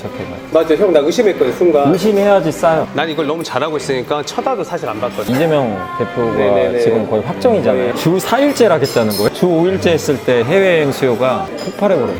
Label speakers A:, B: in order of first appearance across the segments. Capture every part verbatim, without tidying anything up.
A: 괜찮게만.
B: 맞아, 형 나 의심했거든 순간.
A: 의심해야지 싸요.
B: 난 이걸 너무 잘하고 있으니까 쳐다도 사실 안 봤거든.
A: 이재명 대표가
B: 네네네.
A: 지금 거의 확정이잖아요.
B: 네.
A: 주 사 일째라겠다는 거예요. 주 오 일째 했을 때 해외여행 수요가 폭발해버려요.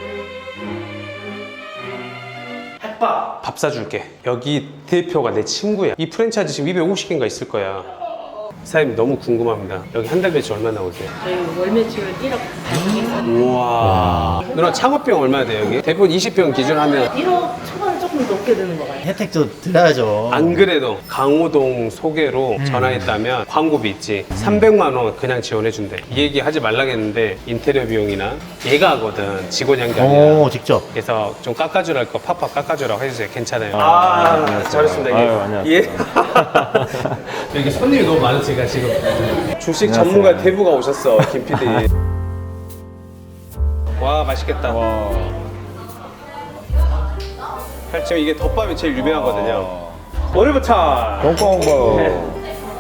B: 햇밥 밥 사줄게. 여기 대표가 내 친구야. 이 프랜차이즈 지금 이백오십 개인가 있을 거야. 사장님 너무 궁금합니다. 여기 한 달 매출 얼마 나오세요?
C: 저희 월 매출 일억 달성했어요.
B: 우와. 누나 창업비용 얼마 돼요 여기? 대표 이십 평 기준 하면
C: 일억 초반 조금 넘게 드는 거 같아요.
D: 혜택도 드려야죠.
B: 안 그래도 강호동 소개로
D: 음.
B: 전화했다면 광고비 있지 삼백만 원 그냥 지원해준대. 이 얘기 하지 말라겠는데 인테리어 비용이나 얘가 하거든. 직원이 한 게 아니라.
D: 오, 직접.
B: 그래서 좀 깎아주라 할 거 팍팍 깎아주라고 해주세요. 괜찮아요.
A: 아,
B: 아,
A: 안녕하세요.
B: 잘했습니다.
A: 아유, 안녕하세요.
B: 예. 여기 손님이 너무 많으니까 지금 주식
A: 안녕하세요.
B: 전문가 대부가 오셨어. 김 피디. 와 맛있겠다.
A: 와.
B: 지금 이게 덮밥이 제일 유명하거든요. 오늘부터
A: 꽁꽁.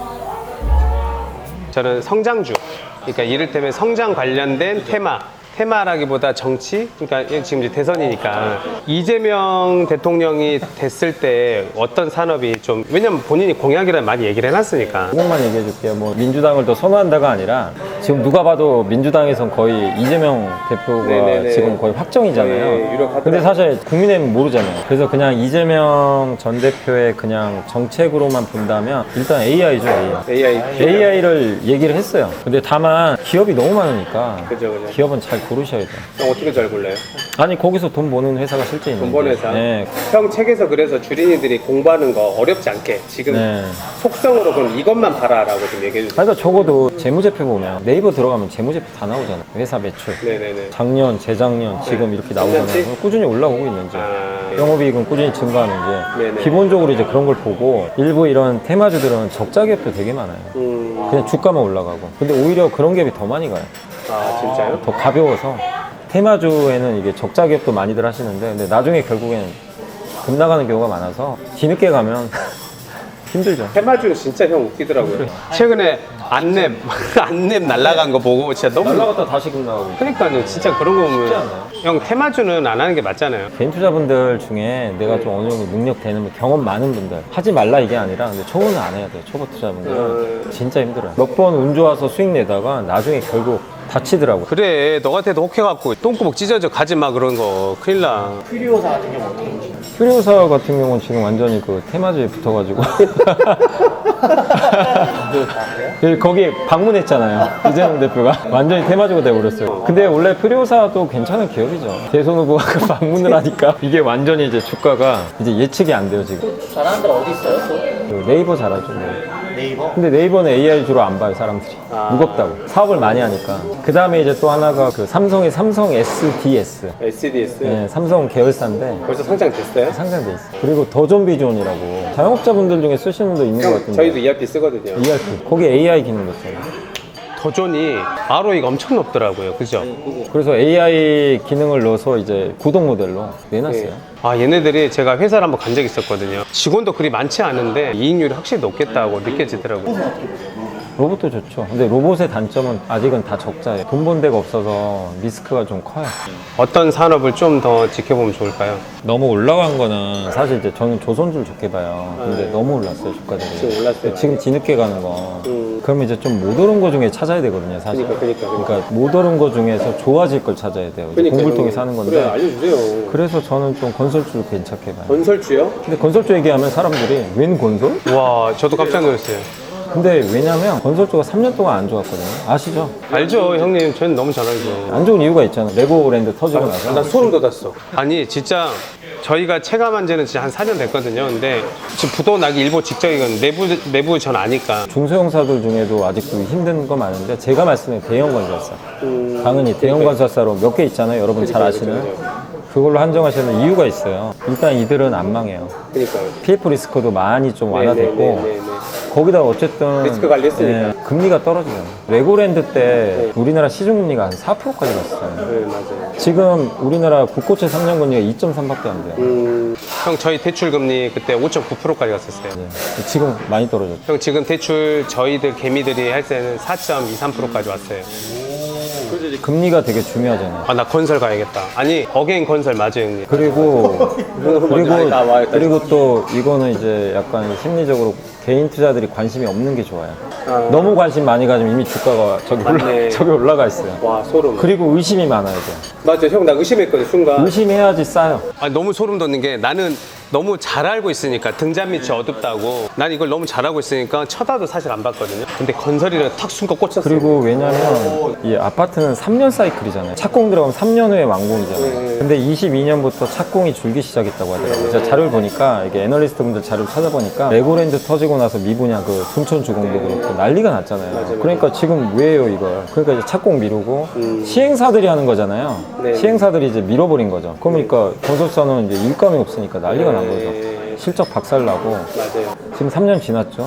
B: 저는 성장주, 그러니까 이를테면 성장 관련된 테마, 테마라기보다 정치, 그러니까 지금 이제 대선이니까 이재명 대통령이 됐을 때 어떤 산업이 좀, 왜냐면 본인이 공약이라 많이 얘기를 해놨으니까.
A: 이것만 얘기해 줄게요. 뭐 민주당을 더 선호한다가 아니라 지금 누가 봐도 민주당에선 거의 이재명 대표가
B: 네네네.
A: 지금 거의 확정이잖아요.
B: 네, 유력하더라고요.
A: 근데 사실 국민의힘은 모르잖아요. 그래서 그냥 이재명 전 대표의 그냥 정책으로만 본다면 일단 에이아이죠, 에이아이.
B: 에이아이.
A: 에이아이를 얘기를 했어요. 근데 다만 기업이 너무 많으니까
B: 그죠, 그죠.
A: 기업은 잘 고르셔야 돼요.
B: 형 어떻게 잘 골라요?
A: 아니 거기서 돈 버는 회사가 실제 있는데.
B: 돈 버는 회사?
A: 네.
B: 형 책에서 그래서 주린이들이 공부하는 거 어렵지 않게 지금
A: 네.
B: 속성으로 그럼 이것만 봐라라고 좀 얘기해 주세요.
A: 그러니까 적어도 재무제표 보면 네이버 들어가면 재무제표 다 나오잖아요. 회사 매출.
B: 네네네.
A: 작년, 재작년, 지금 이렇게 나오잖아요.
B: 삼년치?
A: 꾸준히 올라오고 있는지.
B: 아,
A: 영업이익은 꾸준히 증가하는지.
B: 네네.
A: 기본적으로 이제 그런 걸 보고 일부 이런 테마주들은 적자 갭도 되게 많아요.
B: 음,
A: 그냥 주가만 올라가고. 근데 오히려 그런 갭이 더 많이 가요.
B: 아 진짜요?
A: 더 가벼워서. 테마주에는 이게 적자 갭도 많이들 하시는데 근데 나중에 결국엔 급 나가는 경우가 많아서 뒤늦게 가면 힘들죠.
B: 테마주 진짜 형 웃기더라고요. 최근에 안랩 안랩 날라간 거 보고 진짜 너무
A: 날라갔다 다시 급 나가고.
B: 그러니까요. 진짜 그런 거 보면
A: 않아요?
B: 형 테마주는 안 하는 게 맞잖아요.
A: 개인 투자분들 중에 내가 좀 어느 정도 능력 되는 분, 경험 많은 분들 하지 말라 이게 아니라 근데 초보는 안 해야 돼요. 초보 투자분들은
B: 음.
A: 진짜 힘들어요. 몇 번 운 좋아서 수익 내다가 나중에 결국 다치더라고.
B: 그래 너 같아도 혹해갖고 똥구멍 찢어져 가지 마 그런 거 큰일 나.
D: 퓨리오사 같은 경우 어떻게 보시나요?
A: 퓨리오사 같은 경우는 지금 완전히 그 테마주에 붙어가지고 그 거기 방문했잖아요. 이재명 대표가 완전히 테마주가 돼버렸어요. 근데 원래 퓨리오사도 괜찮은 기업이죠. 대선 후보가 그 방문을 하니까 이게 완전히 이제 주가가 이제 예측이 안 돼요 지금.
D: 잘하는 데가 어디 있어요? 또?
A: 그 네이버 잘하죠. 뭐.
D: 네이버?
A: 근데 네이버는 에이아이 주로 안 봐요 사람들이.
B: 아.
A: 무겁다고 사업을 많이 하니까. 그 다음에 이제 또 하나가 그 삼성의 삼성 에스디에스.
B: 에스디에스
A: 네, 삼성 계열사인데
B: 벌써 상장됐어요?
A: 상장돼 있어. 그리고 더존비존이라고 자영업자분들 중에 쓰시는 분도 있는 것
B: 형
A: 같은데.
B: 저희도 이알피 쓰거든요.
A: 이알피 거기 에이아이 기능도 있잖아요.
B: 더존이 알오이가 엄청 높더라고요. 그죠?
A: 그래서 에이아이 기능을 넣어서 이제 구독 모델로 내놨어요.
B: 네. 아 얘네들이 제가 회사를 한번 간 적이 있었거든요. 직원도 그리 많지 않은데 이익률이 확실히 높겠다고 느껴지더라고요.
A: 로봇도 좋죠. 근데 로봇의 단점은 아직은 다 적자예요. 돈 번 데가 없어서 리스크가 좀 커요.
B: 어떤 산업을 좀 더 지켜보면 좋을까요?
A: 너무 올라간 거는 사실 이제 저는 조선주를 좋게 봐요. 근데
B: 네.
A: 너무 올랐어요 주가들이.
B: 지금 올랐어요.
A: 지금 뒤늦게 가는 거.
B: 음.
A: 그러면 이제 좀 못 오른 거 중에 찾아야 되거든요 사실.
B: 그러니까, 그러니까, 그러니까.
A: 못 오른 거 중에서 좋아질 걸 찾아야 돼요. 이제
B: 그러니까
A: 공부를 통해
B: 형님.
A: 사는 건데.
B: 그래 알려주세요.
A: 그래서 저는 좀 건설주를 괜찮게 봐요.
B: 건설주요?
A: 근데 건설주 얘기하면 사람들이 웬 건설?
B: 와 저도 깜짝 놀랐어요.
A: 근데 왜냐면 건설주가 삼 년 동안 안 좋았거든요. 아시죠?
B: 알죠 형님 저는 너무 잘 알죠.
A: 안 좋은 이유가 있잖아요. 레고랜드 터지고 나서.
B: 난 소름 돋았어. 아니 진짜 저희가 체감한 지는 진짜 한 사 년 됐거든요. 근데 지금 부도 나기 일보 직전이건 내부 내부 전 아니까.
A: 중소형사들 중에도 아직도 힘든 거 많은데 제가 말씀드린 대형 건설사.
B: 음,
A: 당연히 대형 건설사로 몇 개 있잖아요. 여러분 잘 아시는. 그걸로 한정하시는 이유가 있어요. 일단 이들은 안 망해요.
B: 그러니까요.
A: 피에프 리스크도 많이 좀 완화됐고
B: 네네네네.
A: 거기다 어쨌든
B: 리스크 관리했으니까.
A: 예, 금리가 떨어져요. 레고랜드 때 우리나라 시중금리가 한 사 퍼센트까지 갔어요.
B: 네 맞아요.
A: 지금 우리나라 국고채 삼 년 금리가 이 점 삼밖에 안 돼요.
B: 음, 형 저희 대출 금리 그때 오 점 구 퍼센트까지 갔었어요.
A: 네. 지금 많이 떨어졌죠.
B: 형 지금 대출 저희들 개미들이 할 때는 사 점 이삼 퍼센트까지 왔어요.
A: 금리가 되게 중요하잖아요.
B: 아, 나 건설 가야겠다. 아니, 어게인 건설 맞아요, 형님.
A: 그리고 그리고
B: 아니, 나 와야겠다.
A: 그리고 또 이거는 이제 약간 심리적으로 개인 투자들이 관심이 없는 게 좋아요. 너무 관심 많이 가지면 이미 주가가 저기 올라,
B: 맞네.
A: 저기 올라가 있어요.
B: 와, 소름.
A: 그리고 의심이 많아야 돼요.
B: 맞아, 형, 나 의심했거든, 순간.
A: 의심해야지 싸요.
B: 아, 너무 소름 돋는 게 나는 너무 잘 알고 있으니까 등잔 밑이 어둡다고 난 이걸 너무 잘 알고 있으니까 쳐다도 사실 안 봤거든요. 근데 건설이라 탁 순간 꽂혔어요.
A: 그리고 왜냐면 이 아파트는 삼 년 사이클이잖아요. 착공 들어가면 삼 년 후에 완공이잖아요. 근데 이십이 년부터 착공이 줄기 시작했다고 하더라고요. 제가 자료를 보니까 이게 애널리스트 분들 자료를 찾아보니까 레고랜드 터지고 나서 미분양 그 순천 주공도 그렇고 난리가 났잖아요. 그러니까 지금 왜요 이걸? 그러니까 이제 착공 미루고 시행사들이 하는 거잖아요.
B: 네.
A: 시행사들이 이제 밀어버린 거죠. 그러니까 건설사는 이제 일감이 없으니까 난리가 난 거죠. 실적 박살나고
B: 맞아요.
A: 지금 삼 년 지났죠.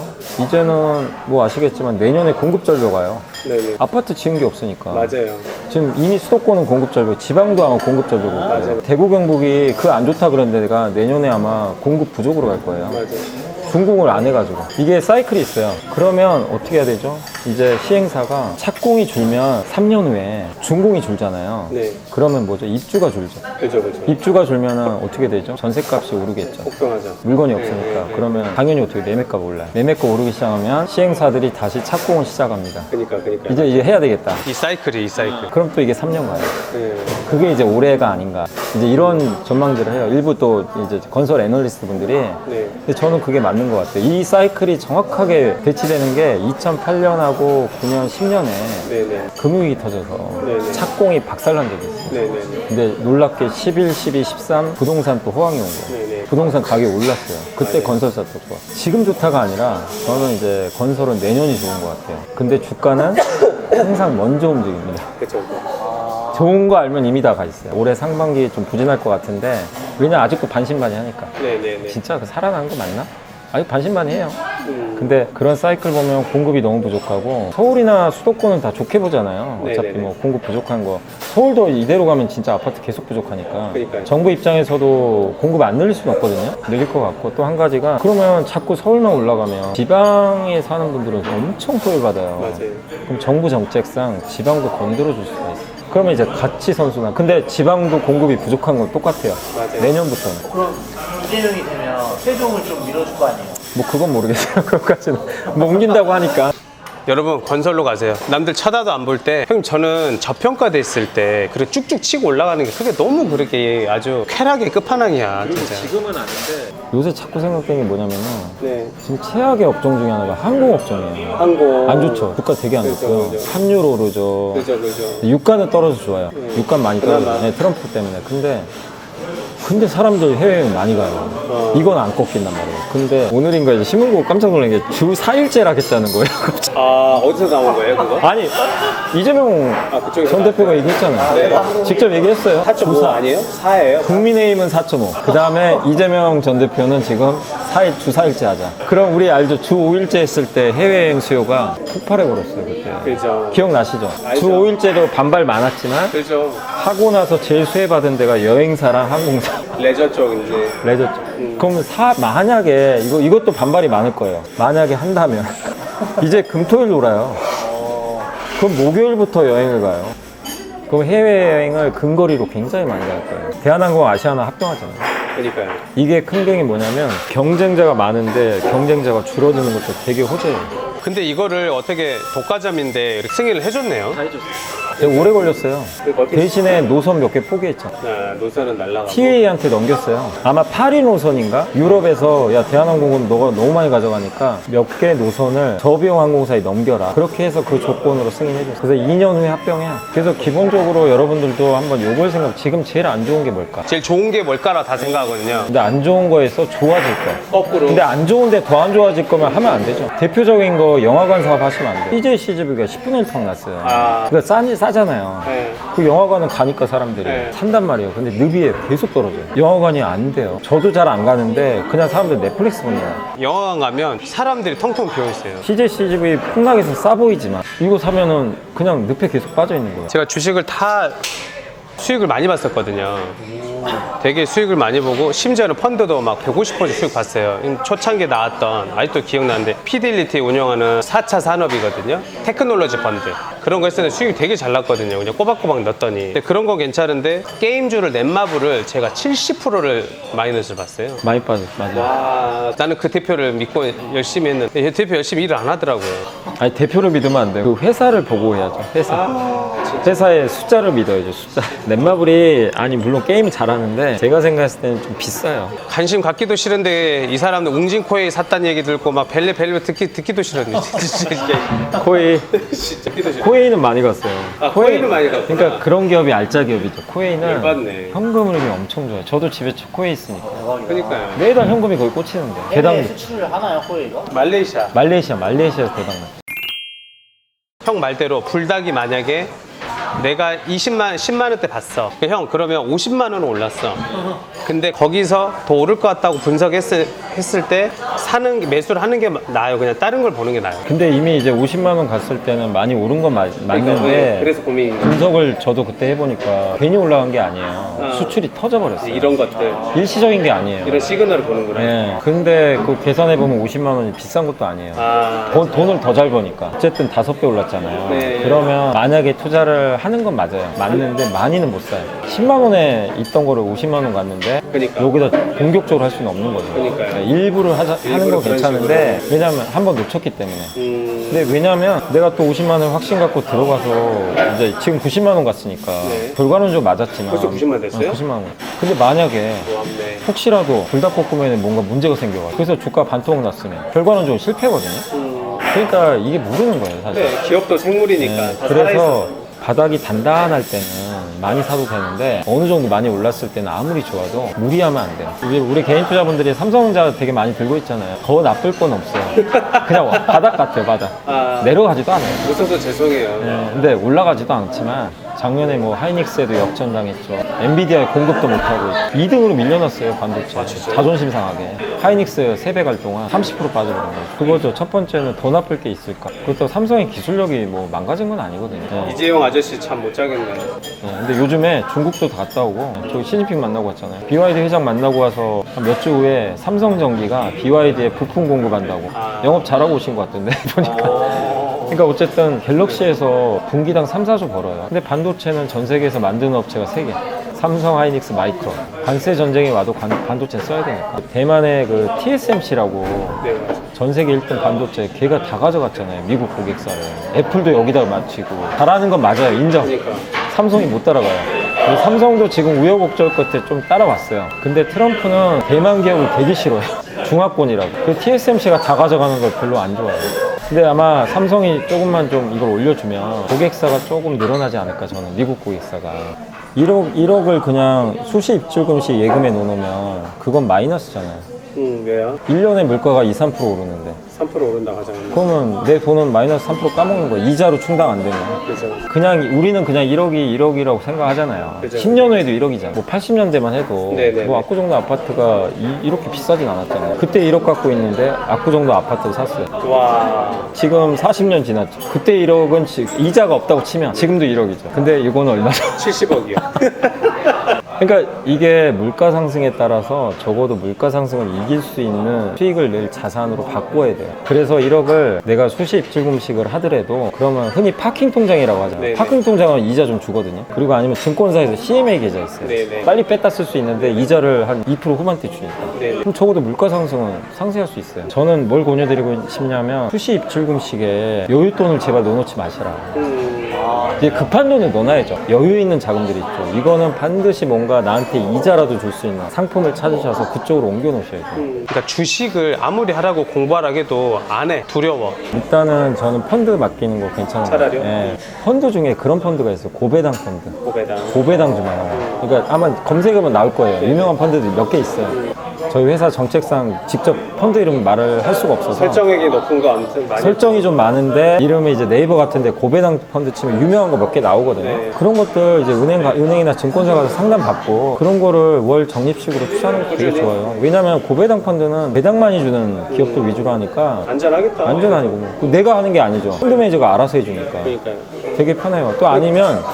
A: 이제는 뭐 아시겠지만 내년에 공급 절벽 와요.
B: 네네.
A: 아파트 지은 게 없으니까.
B: 맞아요.
A: 지금 이미 수도권은 공급 절벽, 지방도 아마 공급 절벽 올 거예요. 대구 경북이 그 안 좋다 그런 데가 내년에 아마 공급 부족으로 갈 거예요.
B: 맞아요.
A: 준공을 안 해가지고 이게 사이클이 있어요. 그러면 어떻게 해야 되죠? 이제 시행사가 착공이 줄면 삼 년 후에 준공이 줄잖아요.
B: 네.
A: 그러면 뭐죠? 입주가 줄죠.
B: 그죠, 그죠.
A: 입주가 줄면은 어떻게 되죠? 전세값이 오르겠죠.
B: 걱정하죠.
A: 물건이 없으니까. 그러면 당연히 어떻게 매매가 올라요. 매매가 오르기 시작하면 시행사들이 다시 착공을 시작합니다.
B: 그니까, 그니까.
A: 이제 이제 해야 되겠다.
B: 이 사이클이, 이 사이클.
A: 그럼 또 이게 삼 년 가요.
B: 네.
A: 그게 이제 올해가 아닌가. 이제 이런 전망들을 해요. 일부 또 이제 건설 애널리스트 분들이.
B: 네.
A: 근데 저는 그게 맞는 것 같아요. 이 사이클이 정확하게 배치되는 게 이천팔 년하고 구 년, 십 년에
B: 네네.
A: 금융위기 터져서
B: 네네.
A: 착공이 박살난 적이 있어요.
B: 네네네.
A: 근데 놀랍게 십일, 십이, 십삼 부동산 또 호황이 온 거예요.
B: 네네.
A: 부동산 가격이 올랐어요. 그때
B: 맞아요.
A: 건설사 또 좋아. 지금 좋다가 아니라 저는 이제 건설은 내년이 좋은 것 같아요. 근데 주가는 항상 먼저 움직입니다.
B: 그쵸, 그쵸.
A: 좋은 거 알면 이미 다 가 있어요. 올해 상반기 좀 부진할 것 같은데 왜냐 아직도 반신반의하니까.
B: 네네네.
A: 진짜 그 살아나는 거 맞나? 아직 반신반의해요.
B: 음.
A: 근데 그런 사이클 보면 공급이 너무 부족하고 서울이나 수도권은 다 좋게 보잖아요. 어차피
B: 네네네.
A: 뭐 공급 부족한 거. 서울도 이대로 가면 진짜 아파트 계속 부족하니까.
B: 그러니까요.
A: 정부 입장에서도 공급 안 늘릴 수는 없거든요. 늘릴 것 같고 또 한 가지가 그러면 자꾸 서울만 올라가면 지방에 사는 분들은 엄청 소외받아요.
B: 맞아요.
A: 그럼 정부 정책상 지방도 건드려 줄 수가 있어요. 그러면 이제 같이 선순환. 근데 지방도 공급이 부족한 건 똑같아요.
B: 맞아요.
A: 내년부터는.
D: 그럼 이재명이 되면 세종을 좀 밀어줄 거 아니에요?
A: 뭐 그건 모르겠어요. 그것까지는. 뭐 옮긴다고 하니까.
B: 여러분 건설로 가세요. 남들 쳐다도 안 볼 때 형님 저는 저평가돼 있을 때 그렇게 쭉쭉 치고 올라가는 게 그게 너무 그렇게 아주 쾌락의 끝판왕이야 진짜.
A: 지금은 아닌데 요새 자꾸 생각되는 게 뭐냐면은
B: 네.
A: 지금 최악의 업종 중에 하나가 항공업종이에요.
B: 항공.
A: 안 좋죠. 주가 되게 안
B: 그죠,
A: 좋고요.
B: 그죠.
A: 환율 오르죠.
B: 그죠 그죠.
A: 유가는 떨어져 좋아요. 유가 많이 떨어져.
B: 그나마.
A: 네, 트럼프 때문에. 근데 근데 사람들 해외여행 많이 가요.
B: 어.
A: 이건 안 꺾인단 말이에요. 근데 오늘인가 이제 신문 보고 깜짝 놀란 게 주 사 일째를 하겠다는 거예요.
B: 아 어디서 나온 거예요 그거?
A: 아니 이재명
B: 아, 그쪽에서
A: 전 대표가 얘기했잖아요.
B: 네.
A: 직접 얘기했어요.
B: 사 점 오
A: 주 사.
B: 아니에요? 사예요?
A: 국민의힘은 사 점 오. 그 다음에 이재명 전 대표는 지금 사 일, 주 사 일째 하자. 그럼 우리 알죠? 주 오 일째 했을 때 해외여행 수요가 폭발해 버렸어요, 그때.
B: 그죠.
A: 기억나시죠?
B: 알죠.
A: 주 오 일째도 반발 많았지만
B: 그죠.
A: 하고 나서 제일 수혜받은 데가 여행사랑 항공사,
B: 레저 쪽 이제.
A: 레저 쪽. 그러면 사, 만약에 이거, 이것도 반발이 많을 거예요. 만약에 한다면 이제 금토일 놀아요. 그럼 목요일부터 여행을 가요. 그럼 해외여행을 근거리로 굉장히 많이 갈 거예요. 대한항공 아시아나 합병하잖아요.
B: 그러니까요.
A: 이게 큰 병이 뭐냐면 경쟁자가 많은데 경쟁자가 줄어드는 것도 되게 호재예요.
B: 근데 이거를 어떻게 독과점인데 이렇게 승인을 해줬네요.
A: 되게 오래 걸렸어요.
B: 어떻게-
A: 대신에 노선 몇 개 포기했죠.
B: 아, 노선은 날라가고.
A: 티에이한테 넘겼어요. 아마 파리 노선인가? 유럽에서 야 대한항공은 너가 너무 많이 가져가니까 몇 개 노선을 저비용 항공사에 넘겨라. 그렇게 해서 그 조건으로 승인해줬어요. 그래서 이 년 후에 합병해요. 그래서 기본적으로 여러분들도 한번 요걸 생각. 지금 제일 안 좋은 게 뭘까?
B: 제일 좋은 게 뭘까라 다 생각하거든요.
A: 근데 안 좋은 거에서 좋아질 거.
B: 거꾸로.
A: 근데 안 좋은데 더 안 좋아질 거면 하면 안 되죠. 대표적인 거 영화관 사업 하시면 안 돼요. 씨제이 씨지비가 십분의 일 턱 났어요.
B: 아.
A: 그러니까 싸지, 싸잖아요.
B: 네.
A: 그 영화관은 가니까 사람들이
B: 네.
A: 산단 말이에요. 근데 늪이에요. 계속 떨어져요. 영화관이 안 돼요. 저도 잘 안 가는데 그냥 사람들 넷플릭스 본다.
B: 영화관 가면 사람들이 텅텅 비어 있어요.
A: 씨제이 씨지비 폭락해서 싸 보이지만 이거 사면은 그냥 늪에 계속 빠져 있는 거예요.
B: 제가 주식을 다 수익을 많이 봤었거든요. 되게 수익을 많이 보고 심지어는 펀드도 막 백오십 퍼센트 수익 봤어요. 초창기에 나왔던 아직도 기억나는데 피델리티 운영하는 사 차 산업이거든요. 테크놀로지 펀드 그런 거 했을 때 수익이 되게 잘 났거든요. 그냥 꼬박꼬박 넣었더니 근데 그런 건 괜찮은데 게임주를 넷마블을 제가 칠십 퍼센트를 마이너스를 봤어요.
A: 많이 빠졌어, 맞아.
B: 와, 나는 그 대표를 믿고 열심히 했는데 이 대표 열심히 일을 안 하더라고요.
A: 아니 대표를 믿으면 안 돼요. 그 회사를 보고 해야죠. 회사. 회사의 숫자를 믿어야죠. 숫자. 넷마블이 아니 물론 게임 잘하는데 제가 생각했을 때는 좀 비싸요.
B: 관심 갖기도 싫은데 이 사람들 웅진코에 샀다는 얘기 듣고 막 벨레 벨레 듣기, 듣기도 싫었네.
A: 코웨이.
B: 진짜 듣기도 싫어.
A: 코웨이는 많이 갔어요.
B: 아, 코웨이는 많이 갔구나.
A: 그러니까 그런 기업이 알짜 기업이죠. 코웨이는
B: 열받네.
A: 현금 흐름이 엄청 좋아요. 저도 집에 코웨이 있으니까.
B: 그러니까요.
A: 매달 현금이 거의 꽂히는데.
D: 해외
A: 배당
D: 수출을 하나요, 호에이가?
B: 말레이시아.
A: 말레이시아, 말레이시아에서 대박 났죠.
B: 형 말대로 불닭이 만약에 내가 이십만, 십만 원대 봤어. 형 그러면 오십만 원은 올랐어. 근데 거기서 더 오를 것 같다고 분석했을 했을 때 사는 게- 매수를 하는 게 나아요. 그냥 다른 걸 보는 게 나아요.
A: 근데 이미 이제 오십만 원 갔을 때는 많이 오른 건 맞, 맞는데
B: 그래서 고민인 거예요.
A: 분석을 저도 그때 해보니까 괜히 올라간 게 아니에요. 수출이 터져버렸어요.
B: 이런 것들,
A: 일시적인 게 아니에요.
B: 이런 시그널을 보는구나.
A: 예. 근데 그 계산해보면 오십만 원이 비싼 것도 아니에요.
B: 아,
A: 돈, 돈을 더 잘 버니까. 어쨌든 다섯 배 올랐잖아요.
B: 네.
A: 그러면 만약에 투자를 하는 건 맞아요. 맞는데 많이는 못 사요. 십만 원에 있던 거를 오십만 원 갔는데
B: 그러니까.
A: 여기다 공격적으로 할 수는 없는 거죠.
B: 그러니까요.
A: 일부러 하자, 하는
B: 일부러
A: 건
B: 그런
A: 괜찮은데 왜냐면 한 번 놓쳤기 때문에.
B: 음,
A: 근데 왜냐면 내가 또 오십만 원 확신 갖고 들어가서 이제 지금 구십만 원 갔으니까
B: 네.
A: 결과론적으로 맞았지만
B: 벌써 구십만 됐어요?
A: 어, 구십만 원. 근데 만약에
B: 고맙네.
A: 혹시라도 불닭볶음면에 뭔가 문제가 생겨가지고 그래서 주가 반토막 났으면 결과론적으로 실패거든요.
B: 음,
A: 그러니까 이게 모르는 거예요 사실.
B: 네, 기업도 생물이니까.
A: 네,
B: 다
A: 그래서
B: 살아있어.
A: 바닥이 단단할 때는 많이 사도 되는데 어느 정도 많이 올랐을 때는 아무리 좋아도 무리하면 안 돼요. 우리, 우리 개인 투자분들이 삼성전자 되게 많이 들고 있잖아요. 더 나쁠 건 없어요. 그냥 바닥 같아요, 바닥.
B: 아.
A: 내려가지도 않아요.
B: 웃어서 죄송해요.
A: 네, 근데 올라가지도 않지만 작년에 뭐 하이닉스에도 역전당했죠. 엔비디아에 공급도 못하고 이 등으로 밀려났어요, 반도체.
B: 아, 진짜요?
A: 자존심 상하게. 하이닉스 세 배 갈 동안 삼십 퍼센트 빠져버린 거죠. 그거죠. 첫 번째는 더 나쁠 게 있을까. 그것도 삼성의 기술력이 뭐 망가진 건 아니거든요. 네.
B: 이재용 아저씨 참 못 자겠네.
A: 네, 근데 요즘에 중국도 다 갔다 오고 저기 시진핑 만나고 왔잖아요. 비와이디 회장 만나고 와서 몇 주 후에 삼성전기가 비와이디에 부품 공급한다고
B: 아.
A: 영업 잘하고 오신 것 같던데 보니까. 그러니까 어쨌든 갤럭시에서 분기당 삼, 사조 벌어요. 근데 반도체는 전 세계에서 만드는 업체가 세 개. 삼성, 하이닉스, 마이크론. 관세 전쟁이 와도 관- 반도체 써야 되니까. 대만의 그 티에스엠씨라고
B: 네, 맞아요.
A: 전 세계 일 등 반도체 걔가 다 가져갔잖아요. 미국 고객사를. 애플도 여기다 맞추고. 잘하는 건 맞아요. 인정.
B: 그러니까.
A: 삼성이 못 따라가요. 그리고 삼성도 지금 우여곡절 끝에 좀 따라왔어요. 근데 트럼프는 대만 기업을 되게 싫어해요. 중화권이라고. 그 티에스엠씨가 다 가져가는 걸 별로 안 좋아해요. 근데 아마 삼성이 조금만 좀 이걸 올려주면 고객사가 조금 늘어나지 않을까 저는. 미국 고객사가. 일억, 일억을 그냥 수시 입출금씩 예금에 넣으면 그건 마이너스잖아요.
B: 음, 왜요?
A: 일 년에 물가가 이, 삼 퍼센트 오르는데
B: 삼 퍼센트 오른다고 하잖아요.
A: 그러면 내 돈은 마이너스 삼 퍼센트 까먹는 거야. 이자로 충당 안 되면.
B: 그죠.
A: 그냥 우리는 그냥 일억이 일억이라고 생각하잖아요.
B: 그죠.
A: 십 년 후에도 일억이잖아. 뭐 팔십 년대만 해도
B: 네네네.
A: 뭐 압구정도 아파트가 이, 이렇게 비싸진 않았잖아요. 그때 일억 갖고 있는데 압구정도 아파트를 샀어요.
B: 와.
A: 지금 사십 년 지났죠. 그때 일억은 지- 이자가 없다고 치면 지금도 일억이죠. 근데 이거는 얼마죠?
B: 칠십억이요.
A: 그러니까 이게 물가 상승에 따라서 적어도 물가 상승을 이길 수 있는 수익을 낼 자산으로 바꿔야 돼요. 그래서 일억을 내가 수시 입출금식을 하더라도 그러면 흔히 파킹 통장이라고 하잖아요.
B: 네네.
A: 파킹 통장은 이자 좀 주거든요. 그리고 아니면 증권사에서 씨엠에이 계좌 있어요.
B: 네네.
A: 빨리 뺐다 쓸 수 있는데 이자를 한 이 퍼센트 후반대 주니까.
B: 네네.
A: 그럼 적어도 물가 상승은 상쇄할 수 있어요. 저는 뭘 권유드리고 싶냐면 수시 입출금식에 여윳돈을 제발 넣어놓지 마시라.
B: 음,
A: 이제 급한 돈을 넣어놔야죠. 여유 있는 자금들이 있죠. 이거는 반드시 뭔가 나한테 이자라도 줄 수 있는 상품을 찾으셔서 그쪽으로 옮겨 놓으셔야죠.
B: 음. 그러니까 주식을 아무리 하라고 공부하라 해도 안 해. 두려워.
A: 일단은 저는 펀드 맡기는 거 괜찮아요.
B: 차라리요?
A: 예. 펀드 중에 그런 펀드가 있어요. 고배당 펀드.
B: 고배당.
A: 고배당 주마요. 그러니까 아마 검색하면 나올 거예요. 유명한 펀드들이 몇 개 있어요. 저희 회사 정책상 직접 펀드 이름 말을 할 수가 없어서
B: 설정액이 높은 거 아무튼 많이.
A: 설정이 좀 많은데 이름이 이제 네이버 같은데 고배당 펀드 치면 유명한 거 몇 개 나오거든요.
B: 네.
A: 그런 것들 이제 은행 가, 은행이나 증권사 가서 상담 받고 그런 거를 월 적립식으로 투자하는 게 되게 좋아요. 왜냐면 고배당 펀드는 배당 많이 주는 기업들 위주로 하니까
B: 안전하겠다.
A: 안전하니고 뭐. 내가 하는 게 아니죠. 펀드 매니저가 알아서 해주니까
B: 그러니까요.
A: 되게 편해요. 또 아니면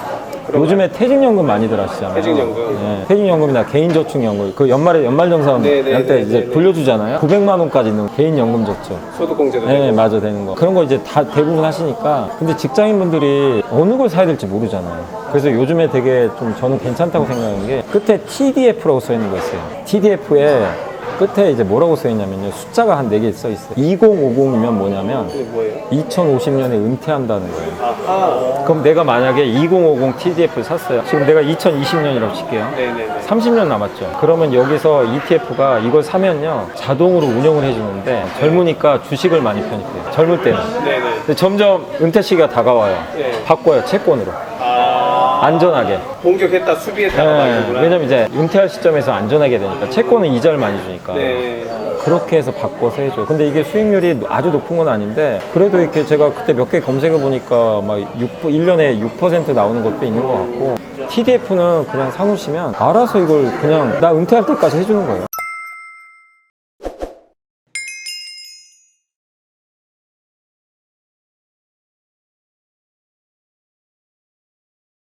A: 요즘에 퇴직연금 많이들 하시잖아요.
B: 퇴직연금.
A: 네, 퇴직연금이나 개인저축연금 그 연말에 연말정산
B: 네, 네,
A: 할 때
B: 네,
A: 이제
B: 네, 네.
A: 돌려주잖아요. 구백만 원까지 있는 개인연금 저축.
B: 소득공제도
A: 네,
B: 되고.
A: 맞아 되는 거. 그런 거 이제 다 대부분 하시니까. 근데 직장인분들이 어느 걸 사야 될지 모르잖아요. 그래서 요즘에 되게 좀 저는 괜찮다고 생각하는 게 끝에 티디에프라고 써 있는 거 있어요. 티디에프에 끝에 이제 뭐라고 써 있냐면요. 숫자가 한 네 개 써 있어요. 이천오십이면 뭐냐면
B: 이게 뭐예요?
A: 이천오십 년에 은퇴한다는 거예요.
B: 아하.
A: 그럼 내가 만약에 이천오십 티디에프를 샀어요. 지금 내가 이천이십 년이라고 칠게요.
B: 네네네.
A: 삼십 년 남았죠. 그러면 여기서 이티에프가 이걸 사면요. 자동으로 운영을 해주는데 젊으니까 주식을 많이 편입해요. 젊을 때는.
B: 네네.
A: 근데 점점 은퇴 시기가 다가와요.
B: 네.
A: 바꿔요. 채권으로.
B: 아.
A: 안전하게.
B: 공격했다 수비했다가
A: 네,
B: 말이구나.
A: 왜냐면 이제 은퇴할 시점에서 안전하게 되니까 채권은 이자를 많이 주니까
B: 네.
A: 그렇게 해서 바꿔서 해줘. 근데 이게 수익률이 아주 높은 건 아닌데 그래도 이렇게 제가 그때 몇 개 검색해 보니까 막 육, 일 년에 육 퍼센트 나오는 것도 있는 것 같고 티디에프는 그냥 사놓으시면 알아서 이걸 그냥 나 은퇴할 때까지 해주는 거예요.